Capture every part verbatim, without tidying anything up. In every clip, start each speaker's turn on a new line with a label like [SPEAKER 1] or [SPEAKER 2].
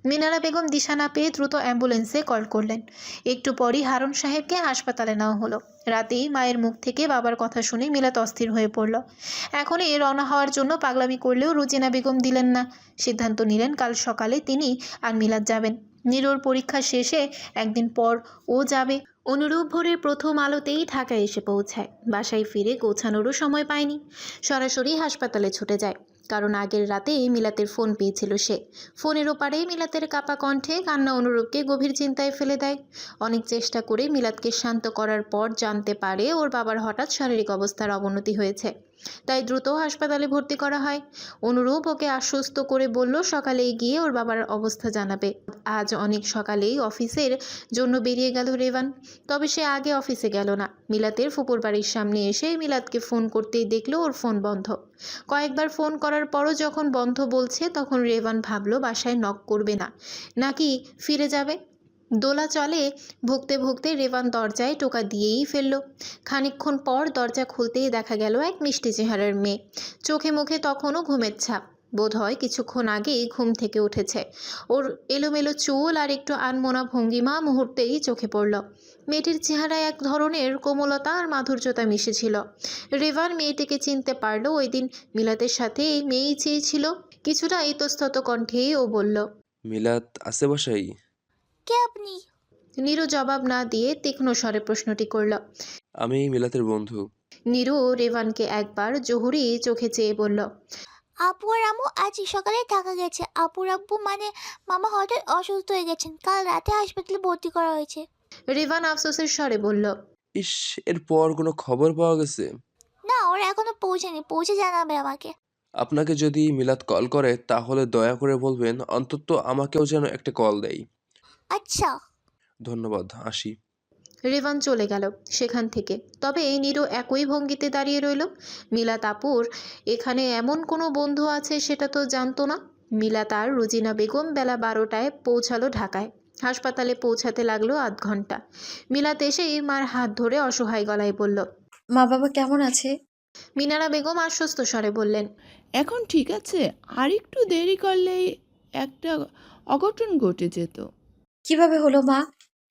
[SPEAKER 1] মিনারা বেগম দিশা না পেয়ে দ্রুত অ্যাম্বুলেন্সে কল করলেন। একটু পরই হারুন সাহেবকে হাসপাতালে নেওয়া হলো। রাতেই মায়ের মুখ থেকে বাবার কথা শুনে মিলাত অস্থির হয়ে পড়ল। এখনই রওনা হওয়ার জন্য পাগলামি করলেও রুজিনা বেগম দিলেন না। সিদ্ধান্ত নিলেন কাল সকালে তিনি আর মিলাত যাবেন। নীরুর পরীক্ষা শেষে একদিন পর ও যাবে। অনুরূপ ভোরের প্রথম আলোতেই ঢাকায় এসে পৌঁছায়। বাসায় ফিরে গোছানোরও সময় পায়নি, সরাসরি হাসপাতালে ছুটে যায়। কারণ আগের রাতেই মিলাতের ফোন পেয়েছিল সে। ফোনের ওপারে মিলাতের কাপা কণ্ঠে কান্না অনুরূপকে গভীর চিন্তায় ফেলে দেয়। অনেক চেষ্টা করে মিলাতকে শান্ত করার পর জানতে পারে ওর বাবার হঠাৎ শারীরিক অবস্থার অবনতি হয়েছে, তাই দ্রুত হাসপাতালে ভর্তি করা হয়। অনুরূপ ওকে আশ্বস্ত করে বলল সকালেই গিয়ে ওর বাবার অবস্থা জানাবে। আজ অনেক সকালেই অফিসের জন্য বেরিয়ে গেল রেভান। তবে সে আগে অফিসে গেল না। মিলাতের ফুপুর বাড়ির সামনে এসে মিলাতকে ফোন করতেই দেখলো ওর ফোন বন্ধ। কয়েকবার ফোন করার পরও যখন বন্ধ বলছে তখন রেভান ভাবলো বাসায় নক করবে না, নাকি ফিরে যাবে। দোলা চলে ভুগতে ভুগতে রেভান দরজায় টোকা দিয়েই ফেলল। খানিকক্ষণ পর দরজা খুলতেই দেখা গেল এক মিষ্টি চেহারার মেয়ে। চোখে মুখে তখনও ঘুমের ছাপ। বোধ হয় কিছুক্ষণ আগেই ঘুম থেকে উঠেছে। ওর এলোমেলো চুল আর একটু আনমনা ভঙ্গিমা মুহূর্তেই চোখে পড়ল। মেয়েটির চেহারায় এক ধরনের কোমলতা আর মাধুর্যতা মিশেছিল। রেভান মেয়েটিকে চিনতে পারল। ওই দিন মিলাতের সাথে এই মেয়েই চেয়েছিল। কিছুটা ইতস্তত কণ্ঠেই ও বলল,
[SPEAKER 2] মিলাত আছে বাসায়?
[SPEAKER 3] কে আপনি?
[SPEAKER 1] নীরু জবাব না দিয়ে তীক্ষ্ণ স্বরে প্রশ্নটি করল।
[SPEAKER 2] আমি মিলাতের বন্ধু।
[SPEAKER 1] নীরু রেভানকে একবার জহুরি চোখে চেয়ে বলল,
[SPEAKER 3] আপু আর আম্মু আজ সকালে ঢাকা গেছে। আপুর আব্বু মানে মামা হঠাৎ অসুস্থ হয়ে গেছেন, কাল রাতে হাসপাতালে ভর্তি করা হয়েছে।
[SPEAKER 1] রেভান আফসোসের স্বরে বলল,
[SPEAKER 2] ইস, এরপর কোনো খবর পাওয়া গেছে?
[SPEAKER 3] না, ওরা এখনো পৌঁছেনি, পৌঁছে জানাবে আমাকে।
[SPEAKER 2] আপনাকে যদি মিলাত কল করে তাহলে দয়া করে বলবেন অন্তত আমাকেও যেন একটা কল দেয়।
[SPEAKER 3] আচ্ছা।
[SPEAKER 2] ধন্যবাদ, আসি।
[SPEAKER 1] রেভান চলে গেল সেখান থেকে। তবে নীরু একই ভঙ্গিতে দাঁড়িয়ে রইল। মিলাত আপুর এখানে এমন কোনো বন্ধু আছে সেটা তো জানতো না। মিলাত আর রুজিনা বেগম বেলা বারোটায় পৌঁছালো ঢাকায়। হাসপাতালে পৌঁছাতে লাগলো আধ ঘন্টা। মিলাত এসেই মার হাত ধরে অসহায় গলায় বলল,
[SPEAKER 4] মা বাবা কেমন আছে?
[SPEAKER 1] মিনারা বেগম আশ্বস্ত স্বরে বললেন,
[SPEAKER 5] এখন ঠিক আছে, আর একটু দেরি করলেই একটা অঘটন ঘটে যেত।
[SPEAKER 4] কিভাবে হলো মা?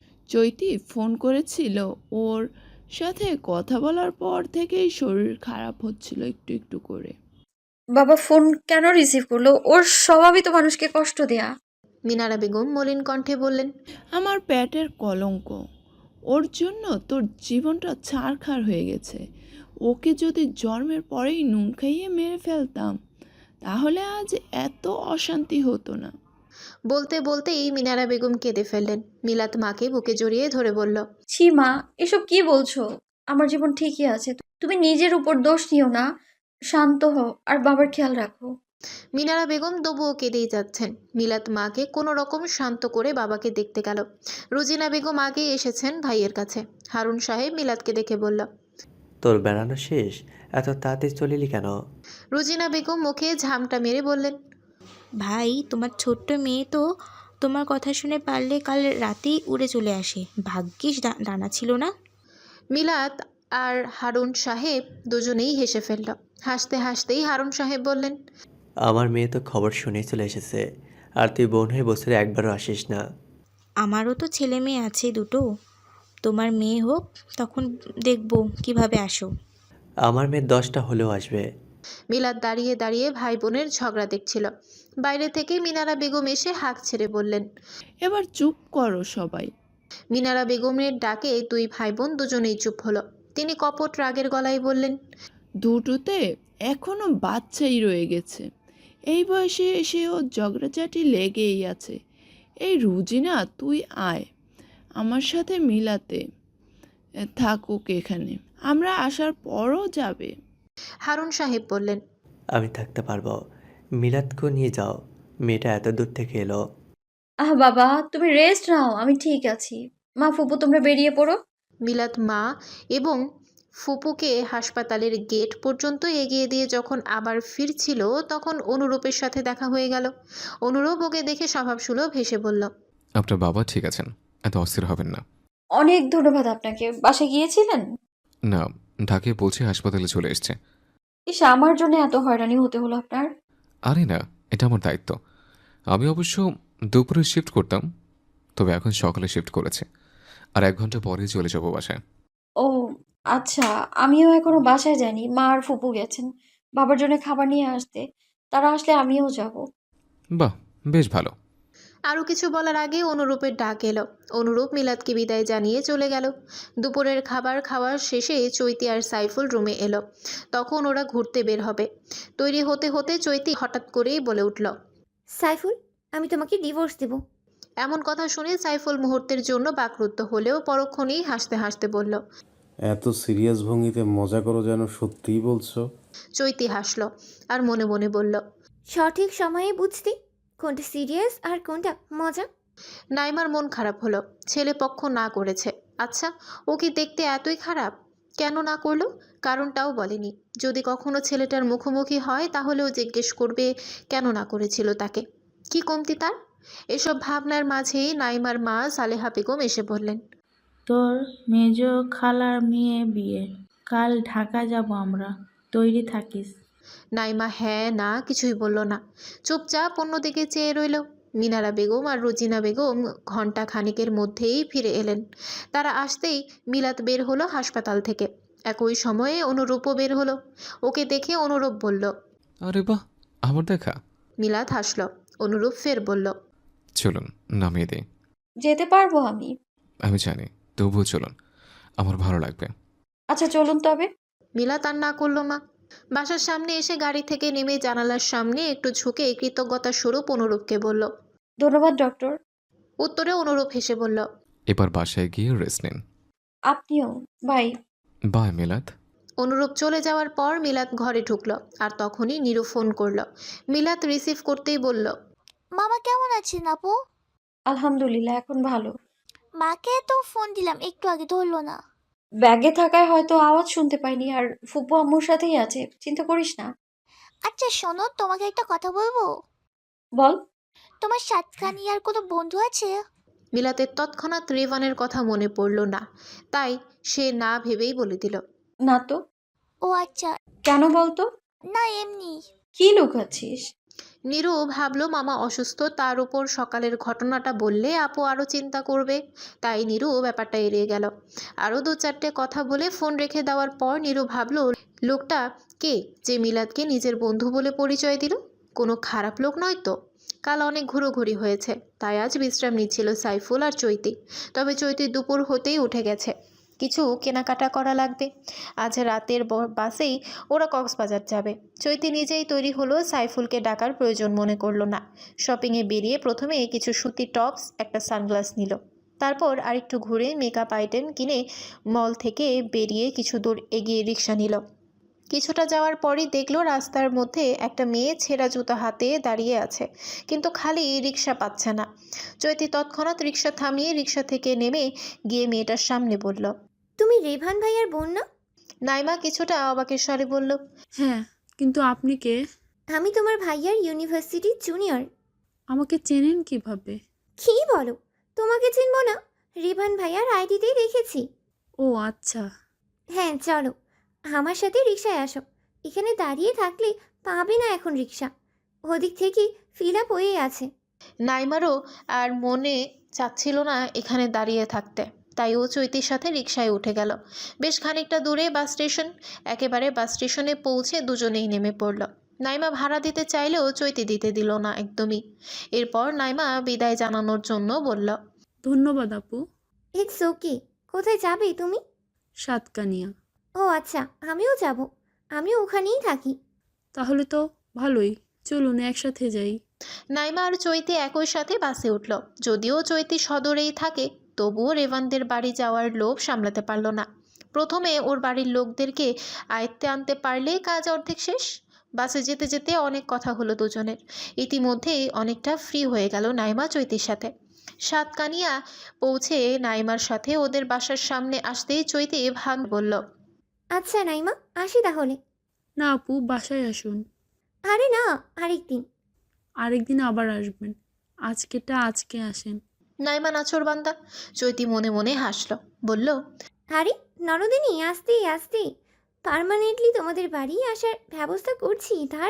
[SPEAKER 5] চৈতি ফোন করেছিল, ওর সাথে কথা বলার পর থেকেই শরীর খারাপ হচ্ছিল একটু একটু করে।
[SPEAKER 4] বাবা ফোন কেন রিসিভ করলো? ওর স্বভাবই তো মানুষকে কষ্ট দেয়া।
[SPEAKER 1] মিনারা বেগম মলিন কণ্ঠে বললেন,
[SPEAKER 5] আমার পেটের কলঙ্ক, ওর জন্য তোর জীবনটা ছারখার হয়ে গেছে। ওকে যদি জন্মের পরেই নুন খাইয়ে মেরে ফেলতাম তাহলে আজ এত অশান্তি হতো না।
[SPEAKER 1] বলতে বলতেই মিনারা বেগম কেঁদে ফেললেন। মিলাত মাকে বুকে জড়িয়ে ধরে বলল,
[SPEAKER 4] ছি মা, এসব কি বলছো? আমার জীবন ঠিকই আছে। তুমি নিজের উপর দোষ নিও না। শান্ত হও আর বাবার খেয়াল রাখো।
[SPEAKER 1] মিনারা বেগম তবুও কেঁদেই যাচ্ছেন। মিলাত মাকে কোনো রকম শান্ত করে বাবাকে দেখতে গেল। রুজিনা বেগম আগেই এসেছেন ভাইয়ের কাছে। হারুন সাহেব মিলাতকে দেখে বলল,
[SPEAKER 6] তোর বেড়ানো শেষ? এত তাড়াতাড়ি চলিলি কেন?
[SPEAKER 1] রুজিনা বেগম মুখে ঝামটা মেরে বললেন,
[SPEAKER 7] ভাই, তোমার ছোট্ট মেয়ে তো তোমার কথা শুনে পারলে কাল রাতেই উড়ে চলে আসে। ভাগ্যিস ডা- ডানা ছিল না।
[SPEAKER 1] মিলাত আর হারুন সাহেব দুজনেই হেসে ফেলল। হাসতে হাসতেই হারুন সাহেব বললেন,
[SPEAKER 6] আমার মেয়ে তো খবর শুনেই চলে এসেছে, আর তুই বোন হয়ে বছরে একবারও আসিস না।
[SPEAKER 7] আমারও তো ছেলে মেয়ে আছে দুটো। তোমার মেয়ে হোক, তখন দেখবো কিভাবে আসো।
[SPEAKER 6] আমার মেয়ের দশটা হলেও আসবে।
[SPEAKER 1] মিলাত দাঁড়িয়ে দাঁড়িয়ে ভাই বোনের ঝগড়া দেখছিল। বাইরে থেকে মিনারা বেগম এসে হাঁক ছেড়ে বললেন,
[SPEAKER 5] এবার চুপ করো সবাই।
[SPEAKER 1] মিনারা বেগমের ডাকে দুই ভাই বোন দুজনেই চুপ হলো। তিনি কপট রাগের গলায় বললেন,
[SPEAKER 5] দুটোতে এখনো বাচ্চাই রয়ে গেছে। এই বয়সে এসেও ঝগড়াঝাটি লেগেই আছে। এই রুজিনা, তুই আয় আমার সাথে মিলাতে এ, থাকুক এখানে, আমরা আসার পরও যাবে।
[SPEAKER 1] হারুন সাহেব বললেন,
[SPEAKER 6] আমি থাকতে পারবো। মিলাদকেও নিয়ে যাও, মেয়েটা এত দূর থেকে এলো।
[SPEAKER 4] আহ বাবা, তুমি রেস্ট নাও, আমি ঠিক আছি। মা ফুপু তোমরা বেরিয়ে পড়ো।
[SPEAKER 1] মিলাত মা এবং ফুপুকে হাসপাতালের গেট পর্যন্ত এগিয়ে দিয়ে যখন আবার ফিরছিল তখন অনুরূপের সাথে দেখা হয়ে গেল। অনুরূপ ওকে দেখে স্বভাবসুলভ হেসে বলল,
[SPEAKER 8] আপনার বাবা ঠিক আছেন, এত অস্থির হবেন না।
[SPEAKER 4] অনেক ধন্যবাদ আপনাকে। বাসায় গিয়েছিলেন?
[SPEAKER 8] না, ঢাকায় পৌঁছে হাসপাতালে চলে এসছে।
[SPEAKER 4] ইস, আমার জন্য এত হয়রানি হতে হলো আপনার।
[SPEAKER 8] আরে না, এটা আমার দায়িত্ব। আমি অবশ্য দুপুরে শিফট করতাম, তবে এখন সকালে শিফট করেছে। আর এক ঘন্টা পরেই চলে যাবো বাসায়।
[SPEAKER 4] ও আচ্ছা, আমিও এখনো বাসায় যাইনি। মা আর ফুপু গেছেন বাবার জন্য খাবার নিয়ে আসতে। তারা আসলে আমিও যাব।
[SPEAKER 8] বাহ, বেশ ভালো।
[SPEAKER 1] আরও কিছু বলার আগে অনুরূপের ডাক এলো। অনুরূপ মিলাদকে বিদায় জানিয়ে চলে গেল। দুপুরের খাবার খাওয়ার শেষে চৈতি আর সাইফুল রুমে এলো। তখন ওরা ঘুরতে বের হবে। তৈরি হতে হতে চৈতি হঠাৎ করেই বলে উঠল,
[SPEAKER 3] সাইফুল, আমি তোমাকে ডিভোর্স দেব।
[SPEAKER 1] এমন কথা শুনে সাইফুল মুহূর্তের জন্য বাকরুদ্ধ হলেও পরক্ষণেই হাসতে হাসতে বলল।
[SPEAKER 9] এত সিরিয়াস ভঙ্গিতে মজা করো যেন সত্যিই বলছো।
[SPEAKER 1] চৈতি হাসল আর মনে মনে বলল,
[SPEAKER 3] সঠিক সময়ে বুঝতে কোনটা সিরিয়াস আর কোনটা মজা।
[SPEAKER 1] নাইমার মন খারাপ হলো। ছেলে পক্ষ না করেছে। আচ্ছা, ও কি দেখতে এতই খারাপ? কেন না করলো কারণটাও বলেনি। যদি কখনো ছেলেটার মুখোমুখি হয় তাহলেও জিজ্ঞেস করবে কেন না করেছিল তাকে। কি কমতি তার? এসব ভাবনার মাঝেই নাইমার মা সালেহা বেগম এসে বললেন,
[SPEAKER 10] তোর মেজ খালার মেয়ে বিয়ে, কাল ঢাকা যাব আমরা, তৈরি থাকিস।
[SPEAKER 1] নাইমা হ্যাঁ না কিছুই বলল না, চুপচাপ অন্যদিকে চেয়ে রইল। মিনারা বেগম আর রোজিনা বেগম ঘন্টা খানিকের মধ্যেই ফিরে এলেন। তারা আসতেই মিলাত বের হলো হাসপাতাল থেকে। একই সময়ে অনুরূপও বের হলো। ওকে দেখে অনুরূপ বলল,
[SPEAKER 8] আরে বাহ, আমার দেখা।
[SPEAKER 1] মিলাত হাসল। অনুরূপ ফের বলল,
[SPEAKER 8] চলুন নামিয়ে দিই।
[SPEAKER 4] যেতে পারবো আমি।
[SPEAKER 8] আমি জানি, তবুও চলুন, আমার ভালো লাগবে।
[SPEAKER 4] আচ্ছা চলুন তবে।
[SPEAKER 1] মিলাত আর না করল না। বাসার সামনে এসে গাড়ি থেকে নেমে জানালার সামনে একটু ঝুঁকে কৃতজ্ঞতা স্বরূপ অনুরূপকে বলল।
[SPEAKER 4] ধন্যবাদ ডক্টর।
[SPEAKER 1] উত্তরে অনুরূপ হেসে বলল,
[SPEAKER 8] এবার বাসায় গিয়ে রেস্ট নিন।
[SPEAKER 4] আপনিও। বাই।
[SPEAKER 8] বাই মিলাদ।
[SPEAKER 1] অনুরূপ চলে যাওয়ার পর মিলাত ঘরে ঢুকলো। আর তখনই নীরু ফোন করলো। মিলাত রিসিভ করতেই বলল,
[SPEAKER 3] মামা কেমন আছেন আপু?
[SPEAKER 4] আলহামদুলিল্লাহ, এখন ভালো।
[SPEAKER 3] মাকে তো ফোন দিলাম, একটু আগে ধরলো না।
[SPEAKER 4] ব্যাগে থাকায় হয়তো আওয়াজ শুনতে পাইনি। আর ফুপু আম্মুর সাথেই আছে, চিন্তা করিস না।
[SPEAKER 3] আচ্ছা শোনো, তোমাকে একটা কথা বলবো।
[SPEAKER 4] বল।
[SPEAKER 3] তোমার সাতকানিয়ার কোনো বন্ধু আছে?
[SPEAKER 1] মিলাতের তৎক্ষণাৎ রেভানের কথা মনে পড়ল না, তাই সে না ভেবেই বলে দিল,
[SPEAKER 4] না তো।
[SPEAKER 3] ও আচ্ছা।
[SPEAKER 4] কেন বলতো?
[SPEAKER 3] না এমনি।
[SPEAKER 4] কি লুকাচ্ছিস?
[SPEAKER 1] নীরু ভাবলো মামা অসুস্থ, তার উপর সকালের ঘটনাটা বললে আপু আরও চিন্তা করবে। তাই নীরু ব্যাপারটা এড়িয়ে গেল। আরও দু চারটে কথা বলে ফোন রেখে দেওয়ার পর নীরু ভাবলো, লোকটা কে যে মিলাদকে নিজের বন্ধু বলে পরিচয় দিল? কোনো খারাপ লোক নয় তো? কাল অনেক ঘুরোঘুরি হয়েছে, তাই আজ বিশ্রাম নিচ্ছিল সাইফুল আর চৈতি। তবে চৈতি দুপুর হতেই উঠে গেছে। কিছু কেনাকাটা করা লাগবে। আজ রাতের ব- বাসেই ওরা কক্সবাজার যাবে। চৈতি নিজেই তৈরি হলো, সাইফুলকে ডাকার প্রয়োজন মনে করলো না। শপিংয়ে বেরিয়ে প্রথমে কিছু সুতির টপস, একটা সানগ্লাস নিল। তারপর আরেকটু ঘুরে মেকআপ আইটেম কিনে মল থেকে বেরিয়ে কিছু দূর এগিয়ে রিক্সা নিল। কিছুটা যাওয়ার পরই দেখলো রাস্তার মধ্যে একটা মেয়ে ছেঁড়া জুতা হাতে দাঁড়িয়ে আছে, কিন্তু খালি রিক্সা পাচ্ছে না। চৈতি তৎক্ষণাৎ রিক্সা থামিয়ে রিক্সা থেকে নেমে গিয়ে মেয়েটার সামনে বলল,
[SPEAKER 3] তুমি রেভান ভাইয়ার বোন না?
[SPEAKER 1] নাইমা কিছুটা অবাকের স্বরে বলল,
[SPEAKER 5] হ্যাঁ, কিন্তু আপনি কে?
[SPEAKER 3] আমি তোমার ভাইয়ার ইউনিভার্সিটি জুনিয়র।
[SPEAKER 5] আমাকে চেনেন কিভাবে?
[SPEAKER 3] কি বলো, তোমাকে চিনবো না? রেভান ভাইয়ার আইডিতেই দেখেছি।
[SPEAKER 5] ও আচ্ছা।
[SPEAKER 3] হ্যাঁ চলো, আমার সাথে রিক্সায় আসো। এখানে দাঁড়িয়ে থাকলে পাবে না এখন রিক্সা, ওদিক থেকে ফিল আপ হয়ে আছে।
[SPEAKER 1] নাইমারও আর মনে চাচ্ছিল না এখানে দাঁড়িয়ে থাকতে, তাই ও চৈতির সাথে রিকশায় উঠে গেল। বেশ খানিকটা দূরে বাস স্টেশন। একেবারে বাস স্টেশনে পৌঁছে দুজনেই নেমে পড়ল। নাইমা ভাড়া দিতে চাইলেও চৈতি দিতে দিল না একদমই। এরপর নাইমা বিদায় জানানোর জন্য বলল,
[SPEAKER 5] ধন্যবাদ আপু।
[SPEAKER 3] It's okay. কোথায় যাবে তুমি?
[SPEAKER 5] সাতকানিয়া।
[SPEAKER 3] ও আচ্ছা, আমিও যাব। আমিও ওখানেই থাকি।
[SPEAKER 5] তাহলে তো ভালোই, চলুন একসাথে যাই।
[SPEAKER 1] নাইমা আর চৈতি একই সাথে বাসে উঠল। যদিও চৈতি সদরেই থাকে, তবুও রেভানদের বাড়ি যাওয়ার লোভ সামলাতে পারল না। প্রথমে ওর বাড়ির লোকদেরকে আয়ত্তে আনতে পারলেই কাজ অর্ধেক শেষ। বাসে যেতে যেতে অনেক কথা হলো দুজনের। ইতিমধ্যেই অনেকটা ফ্রি হয়ে গেল নাইমা চৈতির সাথে। সাতকানিয়া পৌঁছে নাইমার সাথে ওদের বাসার সামনে আসতেই চৈতি ভান বলল,
[SPEAKER 3] আচ্ছা নাইমা, আসি তাহলে।
[SPEAKER 5] না আপু, বাসায় আসুন।
[SPEAKER 3] আরে না, আরেকদিন।
[SPEAKER 5] আরেকদিন আবার আসবেন, আজকেটা আজকে আসেন।
[SPEAKER 1] নাইমা নাছোড়বান্দা। চৈতি মনে মনে হাসল, বলল,
[SPEAKER 3] আরে নরদিনী, আসতে আসতে পার্মানেন্টলি তোমাদের বাড়ি আসার ব্যবস্থা করছি, দাঁড়াও।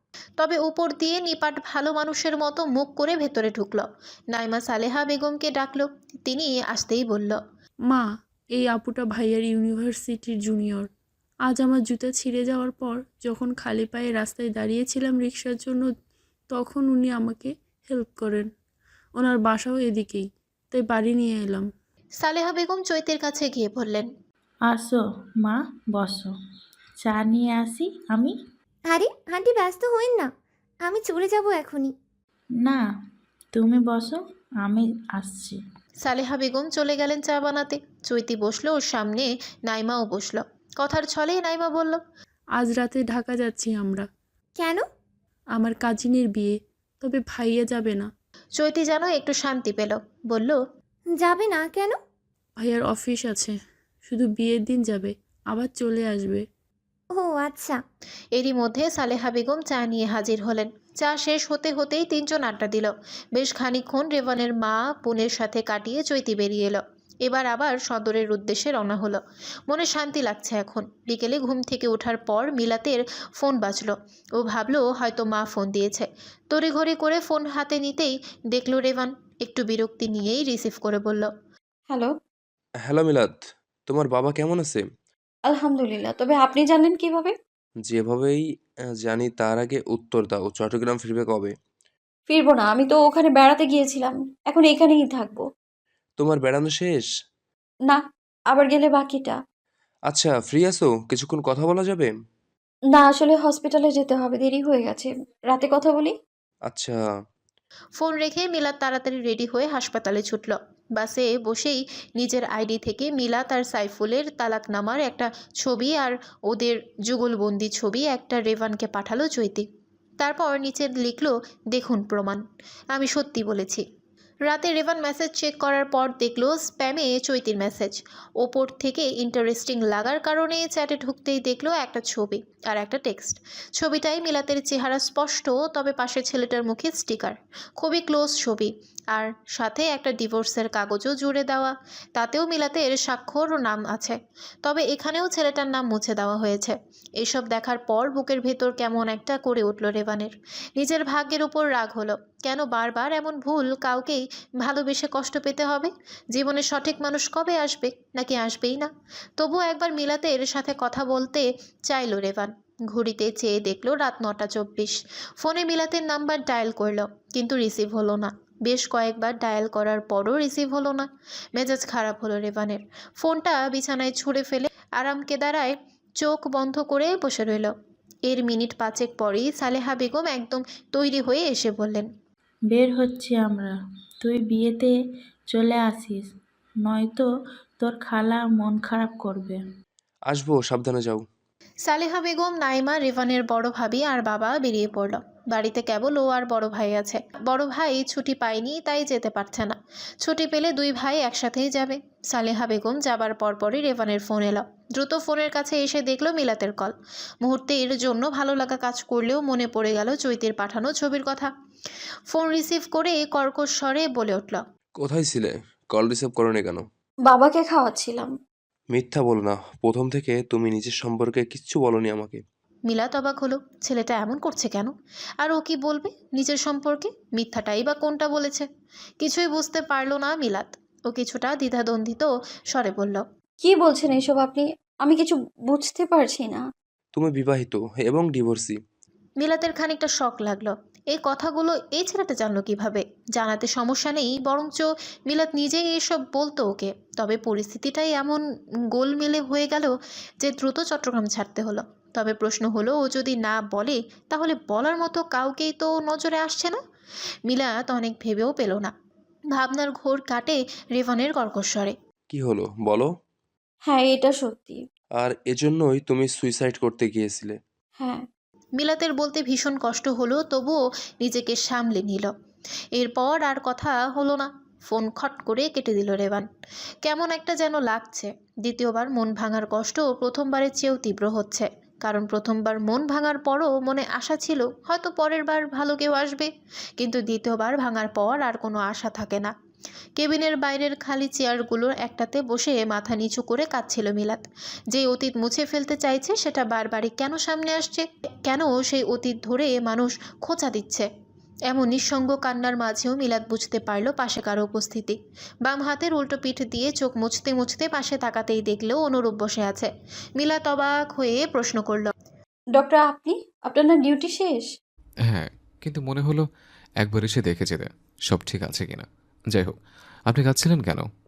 [SPEAKER 1] তবে উপর দিয়ে নিপাট ভালো মানুষের মতো মুখ করে ভেতরে ঢুকলো। নাইমা সালেহা বেগমকে ডাকলো। তিনি আসতেই বলল,
[SPEAKER 11] মা, এই আপুটা ভাইয়ার ইউনিভার্সিটির জুনিয়র। আজ আমার জুতা ছিঁড়ে যাওয়ার পর যখন খালি পায়ে রাস্তায় দাঁড়িয়েছিলাম রিক্সার জন্য, তখন উনি আমাকে হেল্প করেন। ওনার বাসাও এদিকেই, তাই বাড়ি নিয়ে এলাম।
[SPEAKER 1] সালেহা বেগম চৈতির কাছে গিয়ে বললেন,
[SPEAKER 10] আসো মা, বসো, চা নিয়ে আসি আমি।
[SPEAKER 3] আরে আন্টি, ব্যস্ত হইন না, আমি চলে যাব এখনই।
[SPEAKER 10] না, তুমি বসো, আমি আসছি।
[SPEAKER 1] সালেহা বেগম চলে গেলেন চা বানাতে। চৈতি বসলো ওর সামনে, নাইমাও বসলো। কথার ছলে নাইমা বলল,
[SPEAKER 11] আজ রাতে ঢাকা যাচ্ছি আমরা।
[SPEAKER 3] কেন?
[SPEAKER 11] আমার কাজিনের বিয়ে, তবে ভাইয়া যাবে না।
[SPEAKER 1] চৈতি যেন একটু শান্তি পেল, বলল,
[SPEAKER 3] যাবে না কেন?
[SPEAKER 11] ভাইয়ার অফিস আছে, শুধু বিয়ের দিন যাবে, আবার চলে আসবে।
[SPEAKER 3] ও আচ্ছা।
[SPEAKER 1] এরই মধ্যে সালেহা বেগম চা নিয়ে হাজির হলেন। চা শেষ হতে হতেই তিনজন আড্ডা দিল। বেশ খানিকক্ষণ রেভানের মা বোনের সাথে কাটিয়ে চৈতি বেরিয়ে এলো। এবার আবার সদরের উদ্দেশ্যে রওনা হলো। মনে শান্তি লাগছে এখন। বিকেলে ঘুম থেকে ওঠার পর মিলাতের ফোন বাজলো। ও ভাবলো হয়তো মা ফোন দিয়েছে। তড়িঘড়ি করে ফোন হাতে নিতেই দেখলো রেভান। একটু বিরক্তি নিয়েই রিসিভ করে বলল,
[SPEAKER 4] হ্যালো।
[SPEAKER 2] হ্যালো মিলাদ, তোমার বাবা কেমন আছে?
[SPEAKER 4] আলহামদুলিল্লাহ, তবে আপনি জানেন কিভাবে?
[SPEAKER 2] যেভাবেই আহ, জানি তার আগে উত্তর দাও, চট্টগ্রাম ফিরবে কবে?
[SPEAKER 4] ফিরবো না, আমি তো ওখানে বেড়াতে গিয়েছিলাম, এখন এখানেই থাকবো।
[SPEAKER 2] তোমার বেড়ানো শেষ?
[SPEAKER 4] না, আবার গেলে বাকিটা।
[SPEAKER 2] আচ্ছা, ফ্রি আছো? কিছুক্ষণ কথা বলা যাবে?
[SPEAKER 4] না, আসলে হসপিটালে যেতে হবে, দেরি হয়ে গেছে, রাতে কথা বলি।
[SPEAKER 2] আচ্ছা।
[SPEAKER 1] ফোন রেখে মিলাত তাড়াতাড়ি রেডি হয়ে হাসপাতালে ছুটল। বাসে বসেই নিজের আইডি থেকে মিলাত আর সাইফুলের তালাকনামার একটা ছবি আর ওদের যুগলবন্দি ছবি একটা রেভানকে পাঠালো চৈতি। তারপর নিচে লিখলো, দেখুন প্রমাণ, আমি সত্যি বলেছি। রাতে রেভান মেসেজ চেক করার পর দেখলো স্প্যামে চৈতির মেসেজ। ওপর থেকে ইন্টারেস্টিং লাগার কারণে চ্যাটে ঢুকতেই দেখলো একটা ছবি আর একটা টেক্সট। ছবিটাই মিলাতের চেহারা স্পষ্ট, তবে পাশে ছেলেটার মুখে স্টিকার। খুবই ক্লোজ ছবি, আর সাথে একটা ডিভোর্সের কাগজও জুড়ে দেওয়া। তাতেও মিলাতের স্বাক্ষর ও নাম আছে, তবে এখানেও ছেলেটার নাম মুছে দেওয়া হয়েছে। এসব দেখার পর বুকের ভেতর কেমন একটা করে উঠল রেভানের। নিজের ভাগ্যের উপর রাগ হলো। কেন বারবার এমন ভুল কাউকেই ভালোবেসে কষ্ট পেতে হবে? জীবনে সঠিক মানুষ কবে আসবে, নাকি আসবেই না? তবুও একবার মিলাতের সাথে কথা বলতে চাইল রেভান। ঘড়িতে চেয়ে দেখলো রাত নটা চব্বিশ। ফোনে মিলাতের নাম্বার ডায়াল করলো, কিন্তু রিসিভ হলো না। বেশ কয়েকবার ডায়াল করার পরও রিসিভ হলো না। মেজাজ খারাপ হলো রেভানের। ফোনটা বিছানায় ছুঁড়ে ফেলে আরাম কেদারায় চোখ বন্ধ করে বসে রইল। এর মিনিট পাঁচেক পরেই সালেহা বেগম একদম তৈরি হয়ে এসে বললেন,
[SPEAKER 10] বের হচ্ছি আমরা, তুই বিয়েতে চলে আসিস, নয়তো তোর খালা মন খারাপ করবে।
[SPEAKER 2] আসবো, সাবধানে যাও।
[SPEAKER 1] সালেহা বেগম, নাইমা, রেভানের বড় ভাবি আর বাবা বেরিয়ে পড়ল। বাড়িতে কেবল ও আর বড় ভাই আছে। বড় ভাই ছুটি পায়নি, তাই যেতে পারছে না। ছুটি পেলে দুই ভাই একসাথেই যাবে। সালেহা বেগম যাবার পরপরই রেভানের ফোন এলো। দ্রুত ফোনের কাছে এসে দেখলো মিলাতের কল। মুহূর্তের জন্য ভালো লাগা কাজ করলেও মনে পড়ে গেল চৈতির পাঠানো ছবির কথা। ফোন রিসিভ করে কর্কশ স্বরে বলে উঠল,
[SPEAKER 2] কোথায় ছিলে? কল রিসিভ করোনি কেন?
[SPEAKER 4] বাবাকে খাওয়াচ্ছিলাম।
[SPEAKER 2] মিথ্যা বলো না, প্রথম থেকে তুমি নিজের সম্পর্কে কিচ্ছু বলনি আমাকে।
[SPEAKER 1] মিলাত অবাক হলো, ছেলেটা এমন করছে কেন? আর ও কি বলবে নিজের সম্পর্কে? মিথ্যাটাই বা কোনটা বলেছে? কিছুই বুঝতে পারলো না মিলাত। ও কিছুটা দ্বিধাদ্বন্দ্বিত স্বরে বলল,
[SPEAKER 4] কি বলছেন এসব আপনি? আমি কিছু বুঝতে পারছি না।
[SPEAKER 2] তুমি বিবাহিত এবং ডিভোর্সি।
[SPEAKER 1] মিলাতের খানিকটা শক লাগলো। এই কথাগুলো এই ছেলেটা জানলো কিভাবে? জানাতে সমস্যা নেই, বরঞ্চ মিলাত নিজেই এসব বলতো ওকে। তবে পরিস্থিতিটাই এমন গোলমেলে হয়ে গেল যে দ্রুত চট্টগ্রাম ছাড়তে হলো। তবে প্রশ্ন হলো, ও যদি না বলে তাহলে বলার মতো কাউকেই তো নজরে আসছে না। মিলাত অনেক ভেবেও পেল না। ভাবনার ঘোর কাটে রেভানের কর্কশ্বরে।
[SPEAKER 2] কি হলো বলো?
[SPEAKER 4] হ্যাঁ, এটা সত্যি।
[SPEAKER 2] আর এজন্যই তুমি সুইসাইড করতে গিয়েছিলে?
[SPEAKER 4] হ্যাঁ।
[SPEAKER 1] মিলাতের বলতে ভীষণ কষ্ট হলো, তবুও নিজেকে সামলে নিল। এরপর আর কথা হলো না। ফোন খট করে কেটে দিল রেভান। কেমন একটা যেন লাগছে। দ্বিতীয়বার মন ভাঙার কষ্ট প্রথমবারের চেয়েও তীব্র হচ্ছে। কারণ প্রথমবার মন ভাঙার পরও মনে আশা ছিল হয়তো পরের বার ভালো কেউ আসবে, কিন্তু দ্বিতীয়বার ভাঙার পর আর কোনো আশা থাকে না। কেবিনের বাইরের খালি চেয়ারগুলোর একটাতে বসে মাথা নিচু করে কাঁদছিল মিলাত। যে অতীত মুছে ফেলতে চাইছে সেটা বারবারই কেন সামনে আসছে, কেন সেই অতীত ধরে মানুষ খোঁচা দিচ্ছে। এমন নিঃসঙ্গ কান্নার মাঝেও মিলাত বুঝতে পারল পাশে কারো উপস্থিতি। বাম হাতের উল্টো পিঠ দিয়ে চোখ মুছতে মুছতে পাশে তাকাতেই দেখলেও অনুরূপ বসে আছে। মিলাত অবাক হয়ে প্রশ্ন করল,
[SPEAKER 4] ডক্টর আপনি? আপনার না ডিউটি শেষ?
[SPEAKER 8] হ্যাঁ, কিন্তু মনে হলো একবার এসে দেখে যেতে সব ঠিক আছে কিনা। যাই হোক, আপনি কাঁদছিলেন কেন?